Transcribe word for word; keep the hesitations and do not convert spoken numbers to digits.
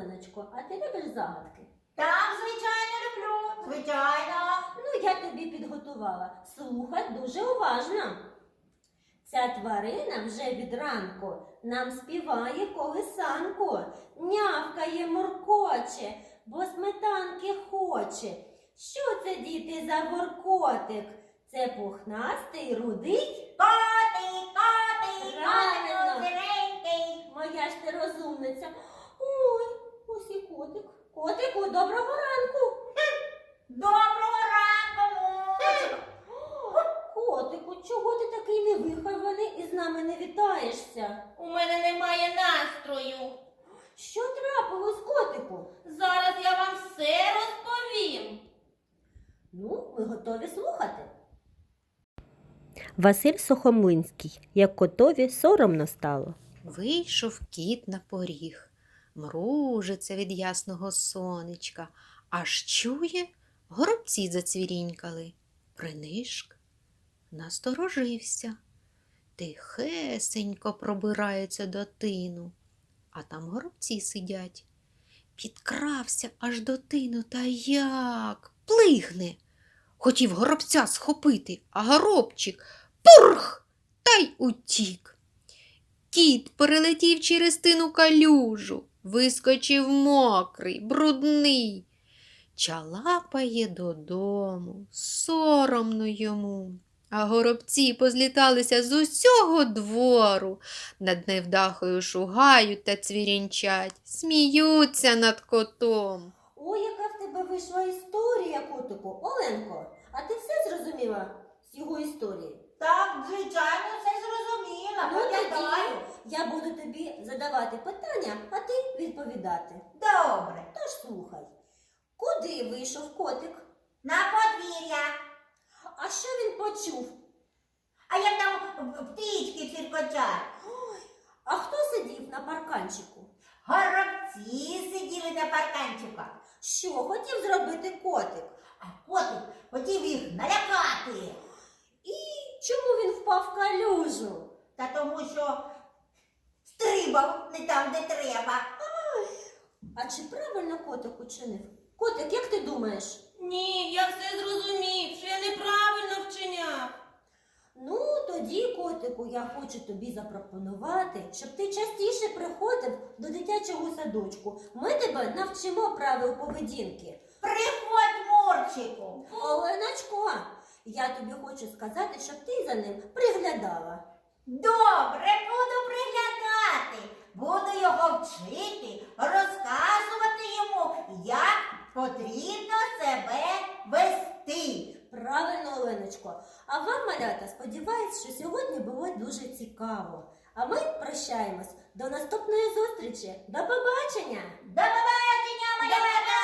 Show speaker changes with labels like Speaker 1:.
Speaker 1: Оленочко, а ти любиш загадки?
Speaker 2: Так, звичайно, люблю. Звичайно.
Speaker 1: Ну, я тобі підготувала. Слухай дуже уважно. Ця тварина вже від ранку нам співає колисанку, нявкає, муркоче, бо сметанки хоче. Що це, діти, за воркотик? Це пухнастий, рудий?
Speaker 2: Котик, котик,
Speaker 1: Правильно.
Speaker 2: котик, сиренький.
Speaker 1: Моя ж ти розумниця. Ой, ось і котик. Котику, доброго ранку.
Speaker 2: Доброго ранку, Мурчику.
Speaker 1: Котику, чого ти такий невихований і з нами не вітаєшся?
Speaker 2: У мене немає настрою.
Speaker 1: Що трапилось, котику?
Speaker 2: Зараз я вам все розповім.
Speaker 1: Ну, ми готові слухати.
Speaker 3: Василь Сухомлинський. Як котові соромно стало.
Speaker 4: Вийшов кіт на поріг, мружиться від ясного сонечка, аж чує, горобці зацвірінькали. Принишк, насторожився, тихесенько пробирається до тину, а там горобці сидять. Підкрався аж до тину, та як плигне. Хотів горобця схопити, а горобчик пурх, та й утік. Кіт перелетів через тину калюжу, вискочив мокрий, брудний. Чалапає додому, соромно йому. А горобці позліталися з усього двору, над невдахою шугають та цвірінчать, сміються над котом.
Speaker 1: Ой, яка в тебе вийшла історія, котику. Оленко, а ти все зрозуміла з його історії?
Speaker 2: Так, звичайно, все зрозуміла.
Speaker 1: Ну,
Speaker 2: Пам'ятаю.
Speaker 1: тоді я буду тобі задавати питання, а ти відповідати.
Speaker 2: Добре.
Speaker 1: Тож слухай. Куди вийшов котик?
Speaker 2: На подвір'я.
Speaker 1: А що він почув?
Speaker 2: А як там птички циркочать?
Speaker 1: А хто сидів на парканчику?
Speaker 2: Горобці сиділи на парканчиках.
Speaker 1: Що хотів зробити котик?
Speaker 2: А котик хотів їх налякати.
Speaker 1: І чому він впав в калюжу?
Speaker 2: Та тому що стрибав не там, де треба.
Speaker 1: А чи правильно котик учинив? Котик, як ти думаєш?
Speaker 5: Ні, я все зрозумів, що я неправильно вчиняв.
Speaker 1: Ну, тоді, котику, я хочу тобі запропонувати, щоб ти частіше приходив до дитячого садочку. Ми тебе навчимо правил поведінки.
Speaker 2: Приходь, Мурчику.
Speaker 1: Оленочко, я тобі хочу сказати, щоб ти за ним приглядала.
Speaker 2: Добре, буду приглядати. Буду його вчити, розказувати йому, як потрібно себе вести.
Speaker 1: Правильно, Оленочко. А вам, малята, сподіваюсь, що сьогодні було дуже цікаво. А ми прощаємось. До наступної зустрічі. До побачення!
Speaker 2: До побачення, малята!